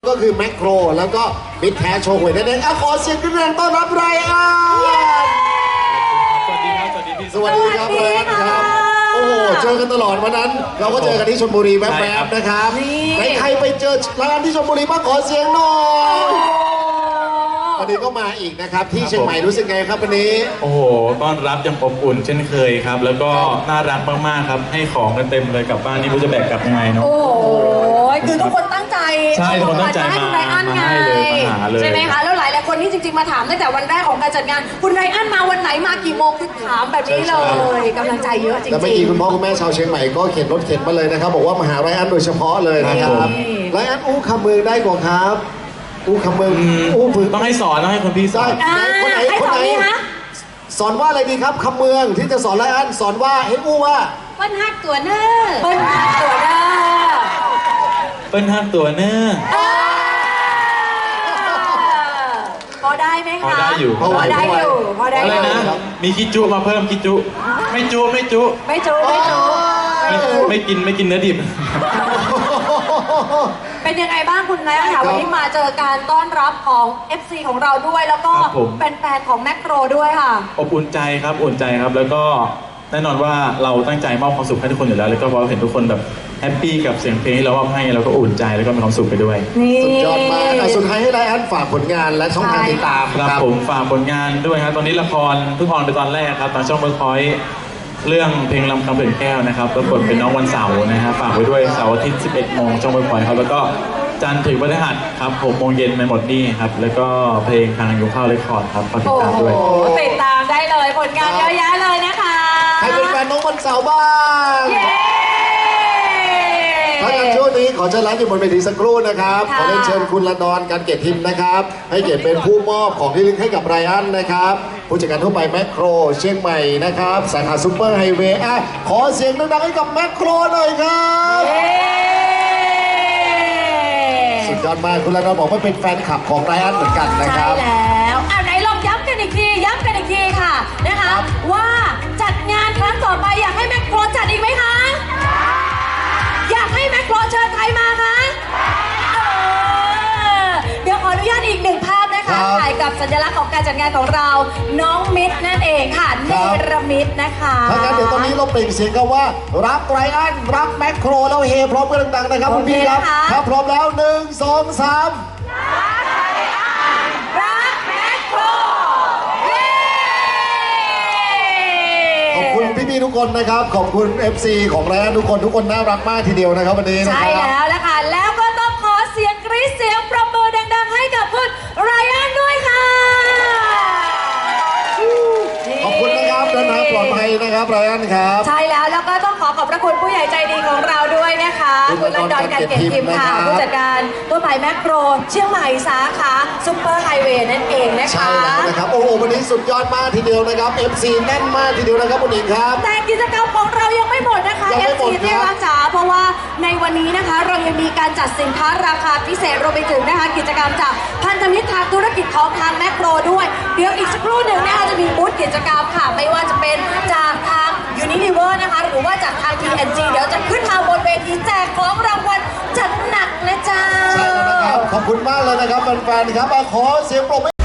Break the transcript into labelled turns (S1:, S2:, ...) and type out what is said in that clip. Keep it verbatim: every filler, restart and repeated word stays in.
S1: ก็คือแมคโครแล้วก็มิตรแท้โชว์หวยนั่นเองเอาขอเสียงกันแรงต้อนรับไรอัน
S2: สวัสดีครับสวัสดีพี่
S1: สวัสดีครับไรอันครับโอ้โหเจอกันตลอดวันนั้นเราก็เจอกันที่ชลบุรีแวบๆนะครับใครไปเจอไรอันที่ชลบุรีบ้างขอเสียงหน่อยวันนี้ก็มาอีกนะครับที่เชียงใหม่รู้สึกไงครับวันนี้
S2: โอ้โหต้อนรับยังอบอุ่นเช่นเคยครับแล้วก็น่ารักมากๆครับให้ของกันเต็มเลยกลับบ้านนี่ไม่รู้จะแบกกลับยังไงเนาะ
S3: โอ้โหคือทุกคนตั้งใจ
S2: ใช่ทุกคนตั้งใจมา
S3: ให้คุณไรอันไง
S2: มาให้เลยมาหาเลย
S3: ใช่ไหมคะแล้วหลายหลายคนที่จริงๆมาถามตั้งแต่วันแรกของการจัดงานคุณไรอันมาวันไหนมากี่โมงคือถามแบบนี้เลยกำลังใจเยอะจริงๆ
S1: แล้วเมื่อกี้คุณพ่อคุณแม่ชาวเชียงใหม่ก็เข็นรถเข็นมาเลยนะครับบอกว่ามาหาไรอันโดยเฉพาะเลยนะครับไรอันอู้คำเมืองได้กว่าครับอู้คำเมืองอู้ฝึก
S2: ต้องให้สอนต้องให้คนพี่สอน
S1: คนไหนคนไหนสอนว่าอะไรดีครับคำเมืองที่จะสอนไรอันสอนว่าให้อู้ว่า
S3: เปิ้ลฮักตัวเนอร์เปิ้ลฮักตัวเนอร์
S2: เปิ้ลห้ามตัวเนอร์
S3: พอได้ไหมคะ
S2: พอได้อยู่
S3: พอได้อยู่พอได้
S2: อะไร
S3: อยู่
S2: นะมีคิจุมาเพิ่มคิจุไม่จุไม่จุ
S3: ไม่จุไม่จุ
S2: ไม่กินไม่กินเนื้อดิบ
S3: เป็นยังไงบ้างคุณนายค่ะวันนี้มาเจอการต้อนรับของ เอฟ ซี ของเราด้วยแล้วก็เป็นแฟนของแมคโครด้วยค่ะ
S2: อบอุ่นใจครับอุ่นใจครับแล้วก็แน่นอนว่าเราตั้งใจมอบความสุขให้ทุกคนอยู่แล้วแล้วก็พอเห็นทุกคนแบบแฮปปี้กับเสียงเพลงที่เรามอบให้เราก็อุ่นใจแล้วก็มีความสุขไปด้วย
S1: สุดยอดมากสุดท้ายให้ไรอันฝากผลงานและช่องทางติดตาม
S2: ครับผมฝากผลงานด้วยครับตอนนี้ละครเพิ่งออนไปตอนแรกครับตอนช่องเวิร์คพอยต์เรื่องเพลงลำคำเปลี่ยนแก้วนะครับปรากฏเป็นน้องวันเสาร์นะฮะฝากไว้ด้วยเสาร์อาทิตย์สิบเอ็ดโมงช่องเวิร์คพอยต์ครับแล้วก็จันทร์ถึงพฤหัสครับหกโมงเย็นไม่หมดนี่ครับแล้วก็เพลงทางยุคข้าวเรคคอร์ดครับฝากติดตามด้วย
S3: ติดตามได้เลยผลงานเยอะแยะเลยนะคะ
S1: ใครเป็นแฟนน้องวันเสาร์บ้างถ้างั้นช่วงนี้ขอเชิญร้านอยู่บนเวทีสักครู่นะครับขอเรียนเชิญคุณละดอนการเกียรติทิมนะครับให้เกียรติเป็นผู้มอบของที่ระลึกให้กับไรอันนะครับผู้จัดการทั่วไปแมคโครเชียงใหม่นะครับสาขาซุปเปอร์ไฮเวย์อ่ะขอเสียงดังๆให้กับแมคโครหน่อยครับสุดยอดมากคุณละดอนบอกว่าเป็นแฟนคลับของไรอันเหมือนกันนะครับ
S3: ใช่แล้วอ่ะไหนลองย้ำกันอีกทีย้ำกันอีกทีค่ะนะคะว่าจัดงานครั้งต่อไปอยากให้แมคโครจัดอีกไหมคะอยากให้แมคโครเชิญใครมาคะเดี๋ยวขออนุญาตอีกหนึ่งภาพนะคะถ่ายกับสัญลักษณ์ของการจัดงานของเราน้องมิตรนั่นเองค่ะเนรมิตนะคะ
S1: ถ้างั้นเดี๋ยวตอนนี้เราเปล่งเสียงกันว่ารักไรอันรักแมคโครแล้วเฮพร้อมกันดังๆนะครับคุณพี่ครับถ้าพร้อมแล้วหนึ่งสองสาม
S3: รักแมคโคร
S1: ขอบคุณพี่ๆทุกคนนะครับขอบคุณ เอฟ ซี ของไรอันทุกคนทุกคนน่ารักมากทีเดียวนะครับวันนี้
S3: ใช่แล้วละค่ะแล้วก็ต้องขอเสียงกรี๊ดเสียงปรบมือดังๆให้กับคุณไรอันด้วยค่ะ
S1: ขอบคุณนะครับเดินทางปลอดภัยนะครับไรอันครับ
S3: ใช่แล้วแล้วก็ต้องขอขอบพระคุณผู้ใหญ่ใจดีของเราด้วยนะคะคุณลันดอนการเก็บทิมค่ะผู้จัดการตัวไปแมคโครเชียงใหม่สาขาซุปเปอร์ไฮเวย์นั่นเองนะคะ
S1: ใช่แล้วนะครับโอ้โหวันนี้สุดยอดมากทีเดียวนะครับ เอฟ ซี แน่นมากทีเดียวนะครับคุณหญิงครับ
S3: แต่กิจกรรมของเรายังไม่หมดนะคะ เอฟ ซี ที่รักจ๋าเพราะว่าในวันนี้นะคะเรายังมีการจัดสินค้าราคาพิเศษรวมไปถึงนะคะกิจกรรมจากพันธมิตรทางธุรกิจของทางแมคโครด้วยเดี๋ยวอีกสักครู่หนึ่งนะคะจะมีบูธกิจกรรมค่ะไม่ว่าจะเป็นจากทาง Unilever นะคะหรือว่าจากทาง ที เอ็น จี เดี๋ยวจะขึ้นมาบนเวทีแจกของรางวัลจัดหนักนะจ๊ะ
S1: ใช่แล้วนะครับขอบคุณมากเลยนะครับแฟนๆครับขอเสียงปรบมือ